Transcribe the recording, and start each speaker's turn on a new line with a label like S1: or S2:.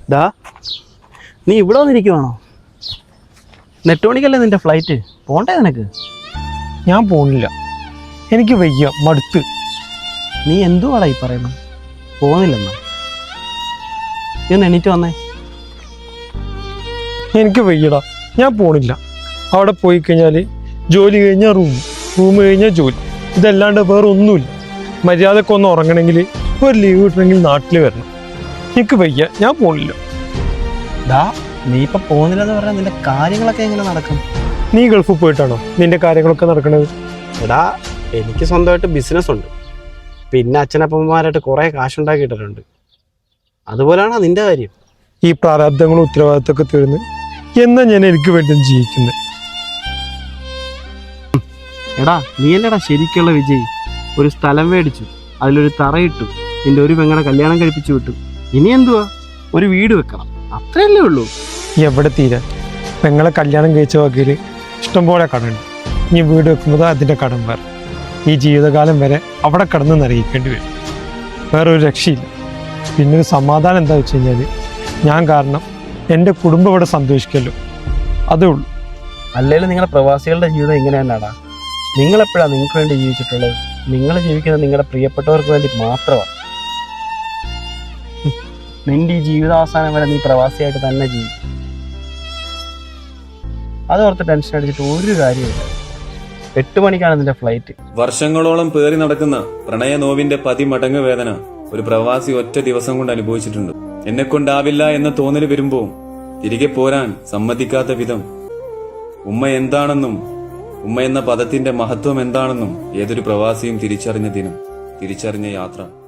S1: ദാ നീ ഇവിടെ വന്നിരിക്കുവാണോ? 8 മണിക്കല്ലേ നിന്റെ ഫ്ലൈറ്റ്? പോണ്ടേ നിനക്ക്?
S2: ഞാൻ പോണില്ല, എനിക്ക് വയ്യ, മടുത്ത്.
S1: നീ എന്തുവാടാ ഈ പറയുന്നത്? പോകുന്നില്ലെന്നാ? നീ ഒന്ന് എണീറ്റ് വന്നേ.
S2: എനിക്ക് വയ്യടാ, ഞാൻ പോണില്ല. അവിടെ പോയി കഴിഞ്ഞാൽ ജോലി കഴിഞ്ഞാൽ റൂം കഴിഞ്ഞാൽ ജോലി, ഇതല്ലാണ്ട് വേറെ ഒന്നുമില്ല. മര്യാദക്കൊന്ന് ഉറങ്ങണമെങ്കിൽ ഒരു ലീവ് കിട്ടണമെങ്കിൽ നാട്ടിൽ വരണം. എനിക്ക് വയ്യ, ഞാൻ പോണില്ല.
S1: ദാ നീ ഇപ്പം പോകുന്നില്ലെന്ന് പറഞ്ഞാൽ നിന്റെ കാര്യങ്ങളൊക്കെ എങ്ങനെ നടക്കും?
S2: നീ ഗൾഫിൽ പോയിട്ടാണോ നിന്റെ കാര്യങ്ങളൊക്കെ നടക്കുന്നത്?
S1: എടാ എനിക്ക് സ്വന്തമായിട്ട് ബിസിനസ് ഉണ്ട്, പിന്നെ അച്ഛനപ്പന്മാരായിട്ട് കുറേ കാശുണ്ടാക്കിയിട്ടുണ്ട്. അതുപോലെയാണോ നിന്റെ കാര്യം?
S2: ഈ പ്രാരാബ്ദങ്ങളും ഉത്തരവാദിത്തമൊക്കെ തീർന്ന് എന്നാ ഞാൻ എനിക്ക് വേണ്ടി ജീവിക്കുന്നത്?
S1: എടാ നീയല്ലേടാ ശരിക്കുള്ള വിജയ്. ഒരു സ്ഥലം മേടിച്ചു, അതിലൊരു തറയിട്ടു, നിന്റെ ഒരു പെങ്ങളെ കല്യാണം കഴിപ്പിച്ചു വിട്ടു. ഇനി എന്തുവാ? ഒരു വീട് വെക്കണം, അത്രയല്ലേ ഉള്ളൂ.
S2: എവിടെ തീരാൻ? പെങ്ങളെ കല്യാണം കഴിച്ച വകയിൽ ഇഷ്ടംപോലെ കടമുണ്ട്. ഇനി വീട് വെക്കുമ്പോൾ അതിൻ്റെ കടം വേറെ. ഈ ജീവിതകാലം വരെ അവിടെ കടന്ന് നിറയിക്കേണ്ടി വരും. വേറെ ഒരു രക്ഷയില്ല. പിന്നെ ഒരു സമാധാനം എന്താ വെച്ച് കഴിഞ്ഞാൽ ഞാൻ കാരണം എൻ്റെ കുടുംബം ഇവിടെ സന്തോഷിക്കല്ലോ, അതേ ഉള്ളൂ.
S1: അല്ലെങ്കിലും നിങ്ങളുടെ പ്രവാസികളുടെ ജീവിതം ഇങ്ങനെ തന്നെയാടാ. നിങ്ങളെപ്പോഴാണ് നിങ്ങൾക്ക് വേണ്ടി ജീവിച്ചിട്ടുള്ളത്? നിങ്ങൾ ജീവിക്കുന്നത് നിങ്ങളുടെ പ്രിയപ്പെട്ടവർക്ക് വേണ്ടി മാത്രമാണ്. നിന്റെ ഈ ജീവിതാവസാനം വരെ നീ പ്രവാസിയായിട്ട് തന്നെ ജീവിക്കും. അതോർത്ത് ടെൻഷൻ അടിച്ചിട്ട് ഒരു കാര്യമില്ല. 8 മണിക്കാണ് നിന്റെ ഫ്ലൈറ്റ്.
S3: വർഷങ്ങളോളം പേറി നടക്കുന്ന പ്രണയ നോവിന്റെ 10 മടങ്ങ് വേദന ഒരു പ്രവാസി ഒറ്റ ദിവസം കൊണ്ട് അനുഭവിച്ചിട്ടുണ്ട്. എന്നെ കൊണ്ടാവില്ല എന്ന തോന്നൽ വരുമ്പോ തിരികെ പോരാൻ സമ്മതിക്കാത്ത വിധം ഉമ്മ എന്താണെന്നും ഉമ്മ എന്ന പദത്തിന്റെ മഹത്വം എന്താണെന്നും ഏതൊരു പ്രവാസിയും തിരിച്ചറിഞ്ഞ ദിനം, തിരിച്ചറിഞ്ഞ യാത്ര.